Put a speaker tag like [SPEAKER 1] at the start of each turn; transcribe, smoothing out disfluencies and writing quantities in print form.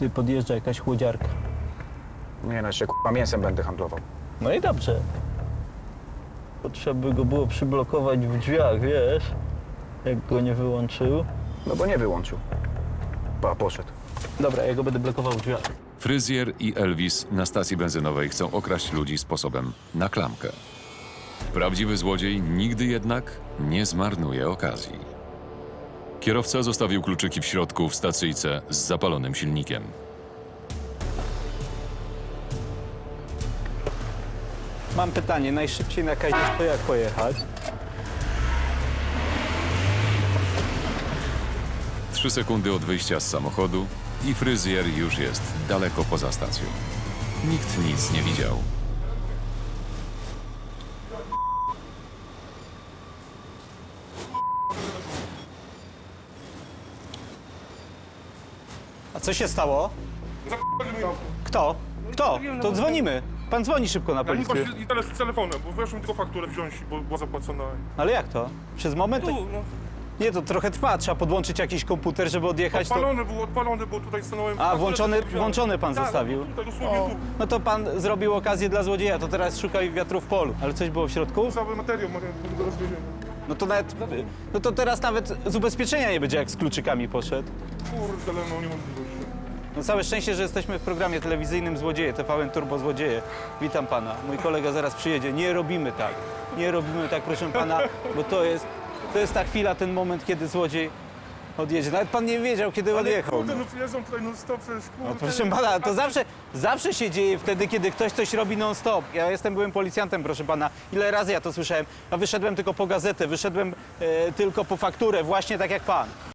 [SPEAKER 1] Ty podjeżdża jakaś chłodziarka.
[SPEAKER 2] Nie no, jeszcze k***a mięsem będę handlował.
[SPEAKER 1] No i dobrze. Bo trzeba by go było przyblokować w drzwiach, wiesz? Jak go nie wyłączył.
[SPEAKER 2] No bo nie wyłączył. Poszedł.
[SPEAKER 1] Dobra, ja go będę blokował w drzwiach.
[SPEAKER 3] Fryzjer i Elvis na stacji benzynowej chcą okraść ludzi sposobem na klamkę. Prawdziwy złodziej nigdy jednak nie zmarnuje okazji. Kierowca zostawił kluczyki w środku w stacyjce z zapalonym silnikiem.
[SPEAKER 1] Mam pytanie, najszybciej na Kaźmierz to jak pojechać?
[SPEAKER 3] 3 sekundy od wyjścia z samochodu i fryzjer już jest daleko poza stacją. Nikt nic nie widział.
[SPEAKER 1] A co się stało? Kto? Kto? To dzwonimy. Pan dzwoni szybko na
[SPEAKER 4] Ja nie
[SPEAKER 1] policję.
[SPEAKER 4] właśnie i teraz z telefonem, bo weszłem tylko fakturę wziąć, bo była zapłacona.
[SPEAKER 1] Ale jak to? Przez moment?
[SPEAKER 4] Tu, no.
[SPEAKER 1] Nie, to trochę trwa. Trzeba podłączyć jakiś komputer, żeby odjechać. To...
[SPEAKER 4] Odpalony, bo tutaj stanąłem.
[SPEAKER 1] A, włączony pan
[SPEAKER 4] Tak,
[SPEAKER 1] zostawił?
[SPEAKER 4] tutaj dosłownie tu.
[SPEAKER 1] No to pan zrobił okazję dla złodzieja, to teraz szukaj wiatru w polu. Ale coś było w środku?
[SPEAKER 4] Cały materiał, zaraz wyjdziemy.
[SPEAKER 1] No to nawet... No to teraz nawet z ubezpieczenia nie będzie, jak z kluczykami poszedł.
[SPEAKER 4] Kurde, ale no nie mam możliwości.
[SPEAKER 1] No całe szczęście, że jesteśmy w programie telewizyjnym Złodzieje, TVN Turbo Złodzieje. Witam pana. Mój kolega zaraz przyjedzie. Nie robimy tak. Nie robimy tak, proszę pana, bo to jest ta chwila, ten moment, kiedy złodziej odjedzie. Nawet pan nie wiedział, kiedy odjechał.
[SPEAKER 4] Kurde, no przyjeżdżam tutaj non stop, przecież kurde.
[SPEAKER 1] No proszę pana, to zawsze się dzieje wtedy, kiedy ktoś coś robi non-stop. Ja byłem policjantem, proszę pana. Ile razy ja to słyszałem? A wyszedłem tylko po gazetę, wyszedłem tylko po fakturę, właśnie tak jak pan.